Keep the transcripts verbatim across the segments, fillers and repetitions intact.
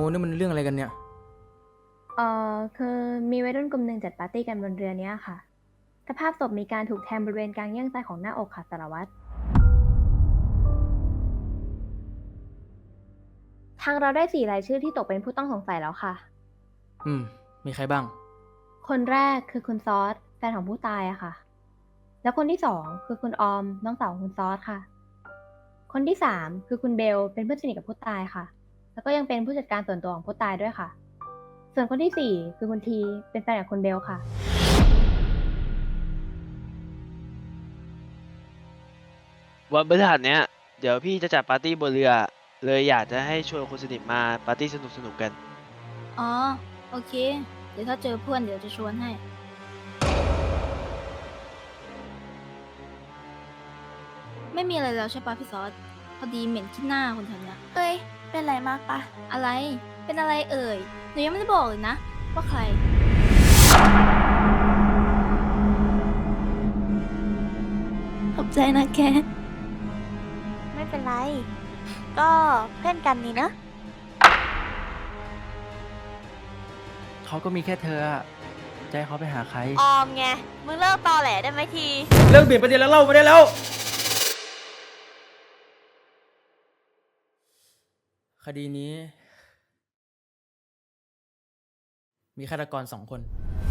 นี่มันเรื่องอะไรกันเนี่ยเอ่อคือมีวัยรุ่นกลุ่มหนึ่งจัดปาร์ตี้กันบนเรือเนี้ยค่ะสภาพศพมีการถูกแทงบริเวณกลางเยื่องซ้ายของหน้าอกค่ะสารวัตรทางเราได้สี่รายชื่อที่ตกเป็นผู้ต้องสงสัยแล้วค่ะอืมมีใครบ้างคนแรกคือคุณซอสแฟนของผู้ตายอะค่ะ แล้วคนที่สองคือคุณออมน้องสาวของคุณซอสค่ะ คนที่สามคือคุณเบลเป็นเพื่อนสนิทกับผู้ตายค่ะ แล้วก็ยังเป็นผู้จัดการส่วนตัวของผู้ตายด้วยค่ะ ส่วนคนที่สี่คือคุณทีเป็นแฟนกับคุณเบลค่ะวันพฤหัสเนี้ยเดี๋ยวพี่จะจัดปาร์ตี้บนเรือเลยอยากจะให้ชวนคนสนิทมาปาร์ตี้สนุกสนุกกันอ๋อโอเค เดี๋ยวถ้าเจอเพื่อนเดี๋ยวจะชวนให้ ไม่มีอะไรแล้วใช่ปะพี่ซอสพอดีเหม็นขี้หน้าคนแถวเนี้ยเอ้ย เป็นไรมากปะอะไร เป็นอะไรเอ่ยหนูยังไม่ได้บอกเลยนะ ว่าใครขอบใจนะแก ไม่เป็นไร ก็เพื่อนกันนี่เนอะเขาก็มีแค่เธออะใจเขาไปหาใครออมไง มึงเลิกตอแหลได้ไหมทีเลิกเบียดประเด็นแล้วเล่าไม่ได้แล้ว คดีนี้ มีฆาตกรสองคน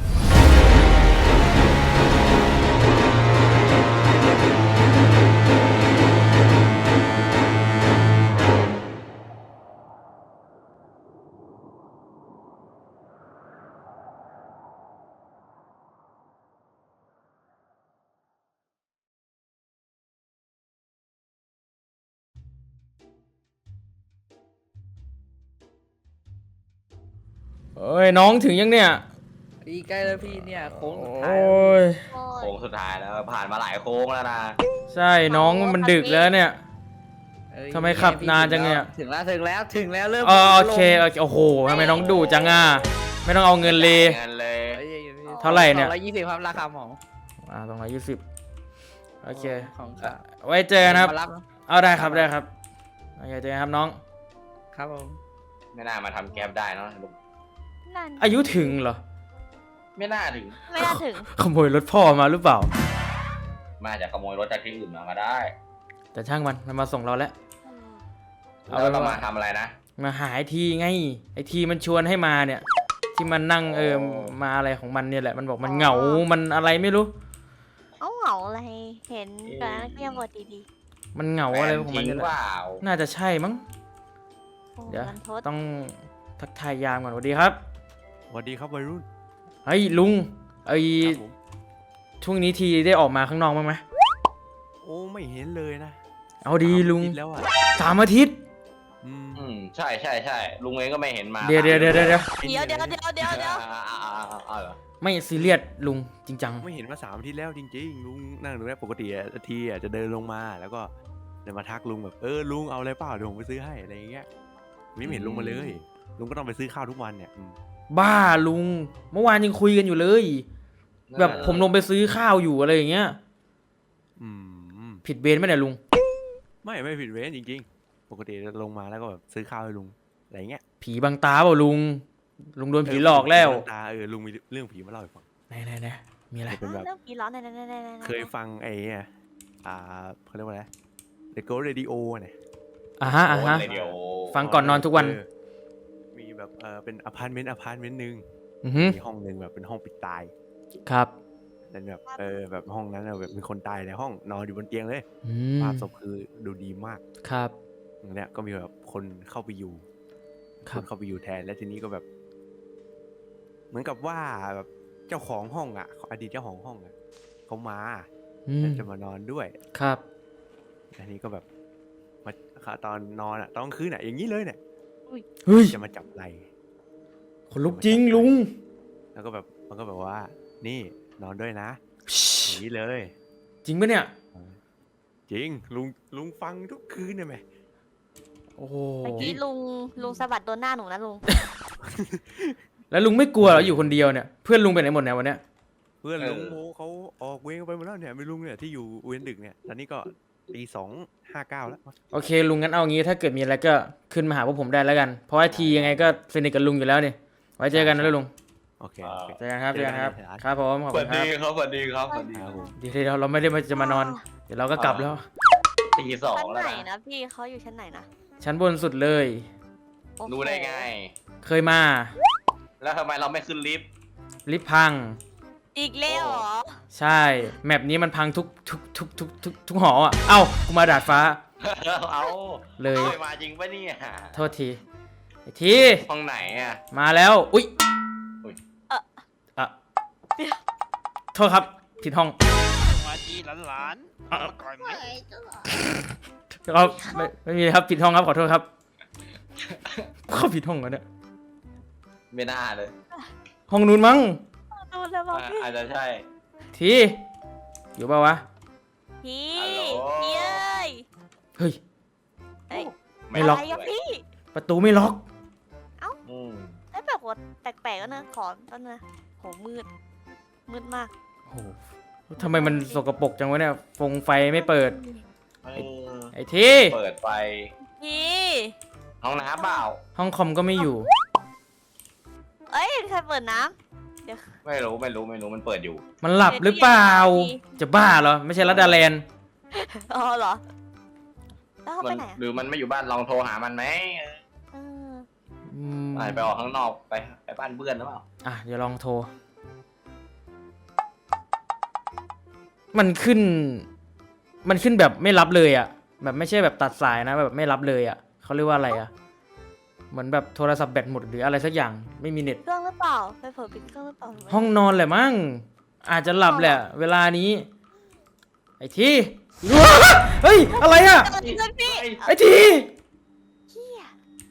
เอ้ยน้องถึงยังเนี่ยอีใกล้แล้วพี่เนี่ยโค้งโอสุดท้าย้แล้วยโค้งสุดท้ายแล้วผ่านมาหลายโค้งแล้วนะใช่น้องมันดึกแล้วเนี่ยเอ้ยทำไมขับนานจังเนี่ยถึงแล้วถึงแล้วถึงแล้วเริ่มเออโอเคลงโอเคโอ้โหทำไมน้องดุจังอ่ะไม่ต้องเอาเงินเลยเงินเลยอ้ยเท่าไหร่เนี่ยสองร้อยยี่สิบครับราคาหมออ่าตรงร้อยยี่สิบโอเคของค่ะไว้เจอกันนะครับมารับเอาได้ครับได้ครับโอเคเจอกันครับน้องครับผมไม่น่ามาทำแก๊ปได้เนาะนั่นอายุถึงเหรอไม่น่าถึงไม่น่าถึงขโมยรถพ่อมาหรือเปล่ามาจากขโมยรถจากที่อื่นมาก็ได้แต่ช่างมันมันมาส่งเราแล้ว เอาแล้วเป็นเราว่ามาทำอะไรนะมาหาไอทีไงไอทีมันชวนให้มาเนี่ย ที่มันนั่งเออมาอะไรของมันเนี่ยแหละมันบอกมันเหงา มันอะไรไม่รู้เอาเหงาอะไร เห็นตอนนั้นก็ยังบทดีมันเหงาอะไรของมันทิ้เนี่ยงแหละเปล่าน่าจะใช่มั้งๆโอ้เดี๋ยวมันโทษต้องทักทายยามก่อนสวัสดีครับสวัสดีครับวัยรุ่นเฮ้ยลุงไอครับผมช่วงนี้ทีได้ออกมาข้างนอกบ้างไหมโอ้ไม่เห็นเลยนะเอาดีลุงสามอาทิตย์แล้วอ่ะสามอาทิตย์อืมอืมใช่ใช่ใช่ลุงเองก็ไม่เห็นมาเดี๋ยวเดี๋ยวเดี๋ยวเดี๋ยวเดี๋ยวเดี๋ยวเดี๋ยวเดี๋ยวเดี๋ยวอ่าอ่าอ่าอ่าอ่าเหรอไม่ซีเรียสลุงจริงจังไม่เห็นมาสามอาทิตย์แล้วจริงๆลุงนั่งดูแลปกติอะทีอะจะเดินลงมาแล้วก็เดินมาทักลุงแบบเออลุงเอาอะไรเปล่าเดี๋ยวผมไปซื้อให้อะไรอย่างเงี้ยไม่เห็นลุงมาเลยลุงก็ต้องไปซื้อข้าวทุกวันเนี่ยอืมบ้าลุง เมื่อวานยังคุยกันอยู่เลย แบบผมลงไปซื้อข้าวอยู่อะไรอย่างเงี้ยอืมผิดเบนไหมเนี่ยลุงไม่ไม่ผิดเว้นจริงๆ ปกติจะลงมาแล้วก็แบบซื้อข้าวให้ลุงอะไรเงี้ยผีบังตาเปล่าลุง ลุงโดนผีหลอกแล้วเตาเออลุงมีเรื่องผีมาเล่าให้ฟังไหนไหนไหนมีอะไรเป็นแบบเริ่มปีร้อนไหนไหนไหนไหนเคยฟังไอ้เนี่ยอ่าเขาเรียกว่าอะไร The Ghost Radio เนี่ยอ่าฮะอ่าฮะโเลยเดี๋ยวฟังก่อนนอนทุกวันเออมีแบบเออเป็นอพาร์ตเมนต์อพาร์ตเมนต์หนึ่งอือฮึมีห้องหนึ่งแบบเป็นห้องปิดตายครับแล้วแบบเออแบบห้องนั้นน่ะแบบมีคนตายในห้องนอนอยู่บนเตียงเลยอืมภาพศพคือดูดีมากครับอย่างเนี้ยก็มีแบบคนเข้าไปอยู่คครับ นเข้าไปอยู่แทนแล้วทีนี้ก็แบบ เหมือนกับว่าแบบเจ้าของห้องอ่ะอดีตเจ้าของห้องอ่ะเขามาอืมแล้วจะมานอนด้วยครับอันนี้ก็แบบมาตอนนอนอ่ะตอนกลางคืนอ่ะอย่างนี้เลยเนี่ยเฮ้ยจะมาจับไหล่คนลุกจริงลุงแล้วก็แบบมันก็แบบว่า นี่นอนด้วยนะอย่างนี้เลยจริงปะเนี่ยจริงลุงลุงฟังทุกคืนเนี่ยไหมโอ้โหเมื่อกี้ลุงลุงสะบัดโดนหน้าหนูนะลุงแล้วลุงไม่กลัวเหรออยู่คนเดียวเนี่ย เพื่อนลุงไปไหนหมดเนี่ยวันเนี้ยเพื่อนลุงโมเขาออกเวรไปหมดแล้วเนี่ยไม่ลุงเนี่ยที่อยู่เวรดึกเนี่ยตอนนี้ก็ตีสองห้าเก้าแล้วโอเคลุงงั้นเอางี้ถ้าเกิดมีอะไรก็ขึ้นมาหาพวกผมได้แล้วกันเพราะว่าทียังไงก็สนิทกับลุงอยู่แล้วนี่ไว้เจอกันนะลุงโอเคโอเคเจอกันครับเจอกันครับเจอกันครับผมขอบสคุวัณสครัดีบครับสวัสดีครับสวัสดีครับผมเดี๋ยวเราไม่ได้มาจะมานอน เดี๋ยวเราก็กลับแล้วตีสองชั้นแล้วไหนนะนะพี่เขาอยู่ชั้นไหนนะชั้นบนสุดเลยโอ้โหรู้ได้ไงเคยมาแล้วทำไมเราไม่ขึ้นลิฟต์ลิฟต์พังอีกแล้วเหรอใช่แมปนี้มันพังทุกทุกทุกทุกทุกทุกหออ่ะเอ้ากูมาดาดฟ้าเอาเลยเคยมาจริงปะเนี่ยโทษทีไอ้ทีห้องไหนอ่ะมาแล้วอุ้ยอุ๊ยเอ่ออะโทษครับผิดห้องสวัสดีหลานๆมาก่อนไหมครับไม่ไม่มีครับผิดห้องครับขอโทษครับเข้าผิดห้องแล้วเนี่ยไม่น่าเลยห้องนู้นมั้งดูแล้วบอกอ่ะพี่อาจจะใช่ทีอยู่เปล่าวะพี่ฮัลโหลพี่เอ้ยเฮ้ยเอ้ยไม่ล็อกะรอะพี่ประตูไม่ล็อกอืมไอ้แบบว่าแปลกๆก็นะขอแป๊บนึงนะโหมืด มืดมากโอ้โหทำไมมันสกปรกจังวะเนี่ยฟงไฟไม่เปิดเออไอ้ทีเปิดไฟพี่ห้องน้ำเปล่าห้องคอมก็ไม่อยู่เอ้ยใครเปิดน้ำเดี๋ยวไม่รู้ไม่รู้ไม่รู้มันเปิดอยู่มันหลับหรือเปล่า จะบ้าเหรอ ไม่ใช่รัดดาแลนด์อ๋อเหรอ แล้วเขามัไปนไหนอะหรือมันไม่อยู่บ้านลองโทรหามันไหมเอออืมอาจไปออกข้างนอกไปไปบ้านเพื่อนหรือเปล่าอ่ะเดี๋ยวลองโทร มันขึ้น มันขึ้นแบบไม่รับเลยอ่ะ แบบไม่ใช่แบบตัดสายนะแบบไม่รับเลยอ่ะเขาเรียกว่าอะไรอ่ะ เหมือนแบบโทรศัพท์แบตหมดหรืออะไรสักอย่างไม่มีเน็ตเครื่องหรือเปล่าไปเปิดปิดเครื่องหรือเปล่าห้องนอนแหละมั้งอาจจะหลับแหละ เวลานี้ ไอ้ทีเฮ้ยอะไรอ่ะเกิดขึ้นพี่ไอ้ทีเฮีย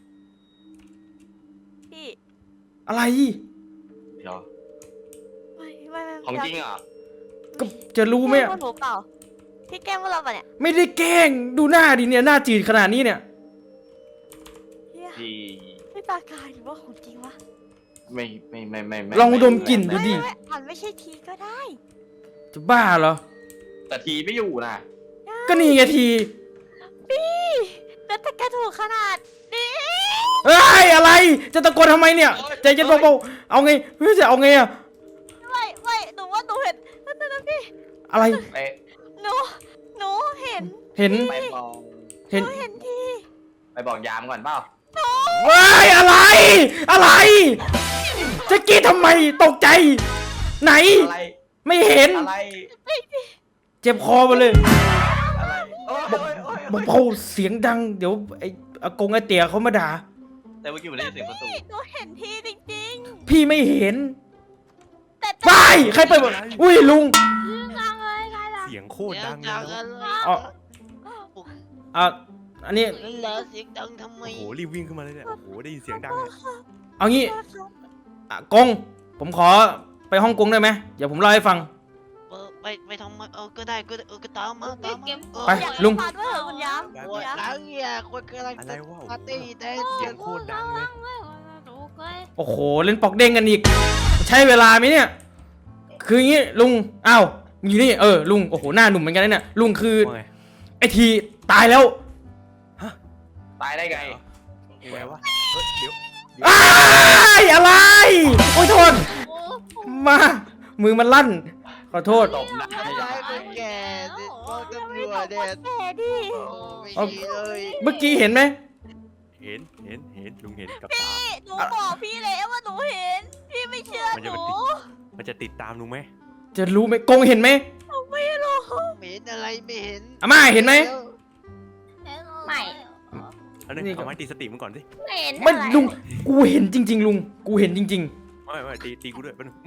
พี่อะไรเดี๋ยวไม่ไม่ไม่ของจริงเหรอก็จะรู้ไหมแกล้งอะพวกหนูเปล่าพี่แกล้งพวกเราปะเนี่ยไม่ได้แกล้งดูหน้าดิเนี่ยหน้าจืดขนาดนี้เนี่ยเฮียที่พี่ตากายหรือว่าของจริงวะไม่ไม่ไม่ไม่ไม่ลองดมกลิ่นดูไม่ดิไม่ไม่อาจไม่ใช่ทีก็ได้จะบ้าเหรอแต่ทีไม่อยู่นะก็นี่ไงทีพี่แล้วแต่แกถูกขนาดนี้เอ้ยอะไร จะตะโกนทำไมเนี่ยใจเย็นเบาๆเอาไงเฮ้ยจะเอาไงอะไม่ไม่หนูว่าหนูเห็นนั่นนะพี่อะไรไปหนูหนูเห็นเห็นไปบอกเห็นหนูเห็นทีไปบอกยามก่อนเปล่าเฮ้ยอะไร อะไร จะกรีดทำไมตกใจ ไหนอะไรไม่เห็นอะไรเจ็บคอมาเลยอะไรโอ้ยบอกโอ้ยโอ้ยบอกเบาเสียงดัง เดี๋ยวไอ้อากงไอ้เตี๋ยเขามาด่าแต่เมื่อกี้ผมได้ยินเสียงประตูหนูเห็นทีจริงพี่ไม่เห็นๆแต่ไปใครเปิดบ่อุ้ยลุงเสียงโคตรดังเลยดังนะอะไรอ๋อ อ่ะอันนี้แล้วเสียงดังทำไมโอ้โหรีบวิ่งขึ้นมาเลยเนี่ยโอ้โหได้ยินเสียงดังเลยเอางี้อ่ะกง ผมขอไปห้องกงได้ไหมเดี๋ยวผมเล่าให้ฟังเออไปไปทำไมเออก็ได้ก็ได้เออก็ตามมาตามมาเออไปอยากลุงมาด้วยเหรอคุณย้ำได้คุณย้ำหลังเนี่ยคนกำลังอะไรวะปาร์ตี้แต่เสีเสียยงงโคตรดังเลยโอ้โห เล่นปอกเด้งกันอีก ใช้เวลาไหมเนี่ย คืออย่างงี้ลุง อ้าวอยู่นี่ เออ ลุง โอ้โห หน้าหนุ่มเหมือนกันนะเนี่ย ลุงคือว่าไงไอทีตายแล้วตายได้ไงยังไงวะเฮ้ยเดี๋ยวอ้ายอะไร โอ้ยโทษ มา มือมันลั่น ขอโทษตบหน้าทำร้ายคนแก่เนี่ยบอกตำรวจเนี่ยแกดิโอ้ไม่ดีเลยเมื่อกี้เห็นไหมเห็นเห็นเห็นลุงเห็นกับตาพี่หนูบอกพี่แล้วว่าหนูเห็น พี่ไม่เชื่อมันหจะนูมันจะติดตามลุงไหมจะรู้ไหมกงเห็นไหมไม่รู้ไม่เห็นอะไรไม่เห็นอาม่าเห็นไหมไม่อันนี้นี่ก็เอาไม้ตีสติมันก่อนสิไม่เห็นไม่อะไรลุง กูเห็นจริง ๆ ลุง กูเห็นจริงไม่ไม่ตีตีกูด้วยแป๊บนึง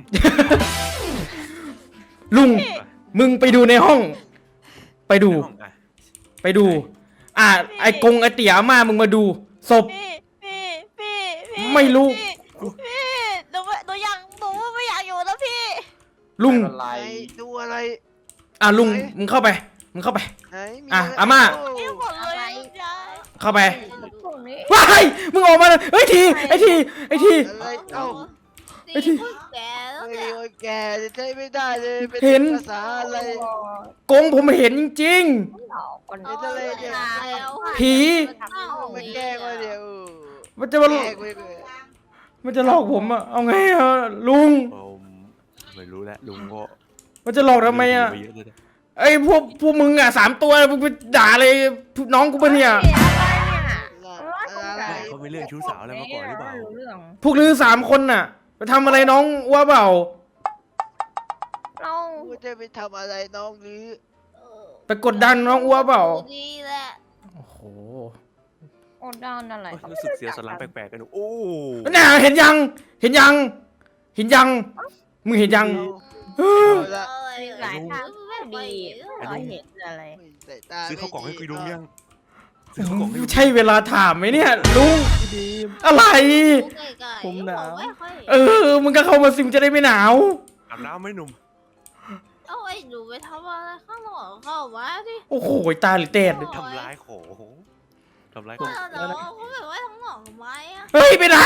ๆ ลุง มึงไปดูในห้อง ไปดูในห้องอ่ะไปดู อ่า ไอ้กงไอ้เตี๋ยอาม่ามึงมาดู ศพพี่พี่พี่พี่ไม่รู้พี่พี่หนูไม่หนูอยากหนูไม่อยากอยู่แล้วพี่ลุงไม่เป็นไรไหนดูอะไรอ่ะลุง มึงเข้าไป มึงเข้าไปไหนมีอ่ะไรอาม่าโพี่หมดเลยยายเข้าไปพวกนี้ว้ายมึงออกมาเลยเฮ้ยที ไอ้ที ไอ้ทีอะไรเอ้าไอ้ทีแกแล้วเฮ้ยเนี่ยโอ้ยแกจะใช้ไม่ได้เลยเป็นเห็นภาษาอะไรกงผมเห็นจริงเป็นอะไรเนี่ยแล้วๆ ผีมาแกล้งมาเดี๋ยวมันจะมาแกล้งไปเลยมันจะหลอกผมอะเอาไงอะลุงผมไม่รู้แล้วลุงก็มันจะหลอกทำไมอะเรื่องผีมาเยเลยนะไอ้พวกพวกมึงอะสามตัวมึงไปด่าเลยน้องกูปะเนี่ยอะไรเขาไม่เรื่องชู้สาวอะไรมาก่อนหรือเปล่าพวกลือสามคนน่ะไปทำอะไรน้องว่าเปล่าเรากูจะไปทำอะไรน้องหรือไปกดดันน้องอ้วเปล่าดีแหละโอ้โหอดดันอะไรโอ้ยรู้สึกเสียสลังแปลกๆกันโอ้น่ะเห็นยัง เห็นยัง เห็นยัง มึงเห็นยังเออเอาละหลายทางดีเราเห็นอะไรใส่ตาซื้อข้าวกล่องให้กูลุงยังโซื้อข้าวกล่องให้ลุงใช่เวลาถามไหมเนี่ยลุงอะไรผมหนาวเออ มึงก็เข้ามาสิมงจะได้ไม่หนาวอาบน้ำไหมหนุ่มเอาไอ้หนูไปทำอะไรข้างนอกเข้าวะดิโอ้โหตาหรือเตดทำร้ายของทำร้ายขเอองอเนาะเขาแบบว่าข้างนอกทำไมอ่ะเฮ้ยไปไหน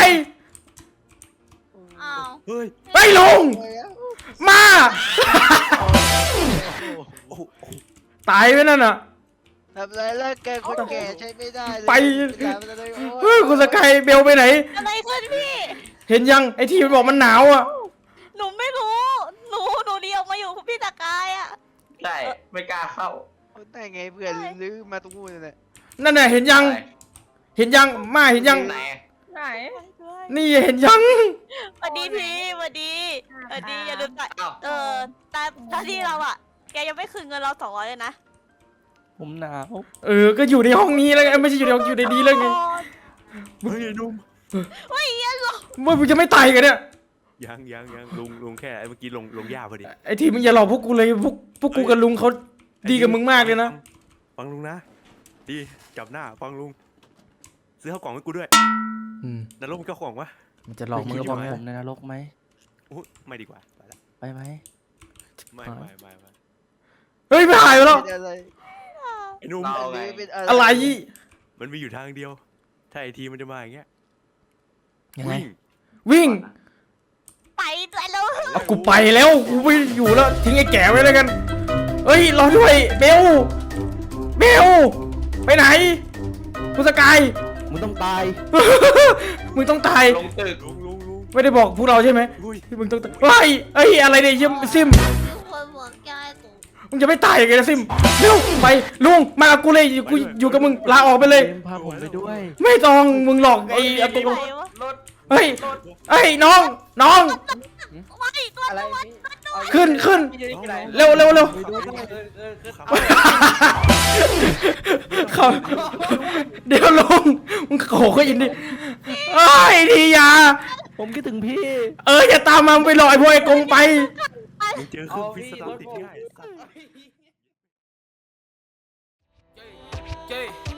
อ้าวเฮ้ยเฮ้ยลุง มาโอ้โหตายไปนั่นน่ะทำอะไรแล้วแกคนแก่ใช้ไม่ได้เลยไปทำอะไรโอ้เฮ้ยคุณสกายเบลไปไหนอะไรขึ้นพี่เห็นยังไอที่มันบอกมันหนาวอ่ะหนูไม่รู้ หนู หนูเดียวมาอยู่กับพี่ตะกายอ่ะใช่ ไม่กล้าเข้าคนได้ไงเพื่อนลื้อมาตรงนู้นเลยนั่นน่ะเห็นยังไปเห็นยังมาเห็นยังไหนไหนนี่เห็นยังสวัสดีพี่สวัสดีสวัสดีอย่าลืมจ่ายอ้าวเออตามหน้าที่เราอ่ะ แกยังไม่คืนเงินเราสองร้อยเลยนะผมหนาวเออ ก็อยู่ในห้องนี้แล้วไงไม่ใช่อยู่ในห้องอยู่ในนี้แล้วไงเฮ้ยไอ้หนุ่มว่ามึงจะไม่ตายกันเนี่ยยังยังยังลุงลุงแค่ไอ้เมื่อกี้ลงลงหญ้าพอดีไอทีมึงอย่าหลอกพวกกูเลยพวกพวกกูกับลุงเขาดีกับมึงมากเลยนะฟังลุงนะดีจับหน้าฟังลุงซื้อข้าวกล่องให้กูด้วยอืมนรกมีข้าวกล่องวะมันจะหลอกมึงก็พอผไงมในนรกไหมอุ๊ยไม่ดีกว่าไปละไปไหมไม่ไม่ไม่ไม่เฮ้ยไม่หายไปแล้วเป็นอะไรไอ้หนุ่มเราไงลื้อเป็นอะไรมันมีอยู่ทางเดียว ถ้าไอทีมันจะมาอย่างเงี้ยยังไงวิ่งวิ่งไปด้วยแล้วเอากูไปแล้วกูไม่อยู่แล้วทิ้งไอ้แก่ไว้แล้วกันเฮ้ยรอด้วยเบลเบลไปไหนคุณสกายมึงต้องตายมึงต้องตายลงตึกลุงลุงลุงไม่ได้บอกพวกเราใช่ไหมอุ้ยที่มึงต้องตายเฮ้ยเอ้ยอะไรเนี่ยเยี่ยมซิมทุกคนบอกยายตู่มึงจะไม่ตายยังไงนะซิมเร็วไปลุงมากับกูเลยอยู่กูอยู่กับมึงลาออกไปเลยเกมพาผมไปด้วยไม่ต้องมึงหลอกไอ้อากูไหนวะรถเฮ้ยเฮ้ยน้องน้องไม่ตัวอะไรขึ้นขึ้นพี่จะได้กินอะไรเร็วเร็วเร็วไปดูด้วยเออเออคือเขาเดี๋ยวลุงมึงโขกเขาอินดิเอ้ยดีอยาผมคิดถึงพี่เอออย่าตามมามึงไปหลอกไอ้พวกไอ้กงไปมึงเจอเครื่องพิษสตาร์ทติดง่ายเจ้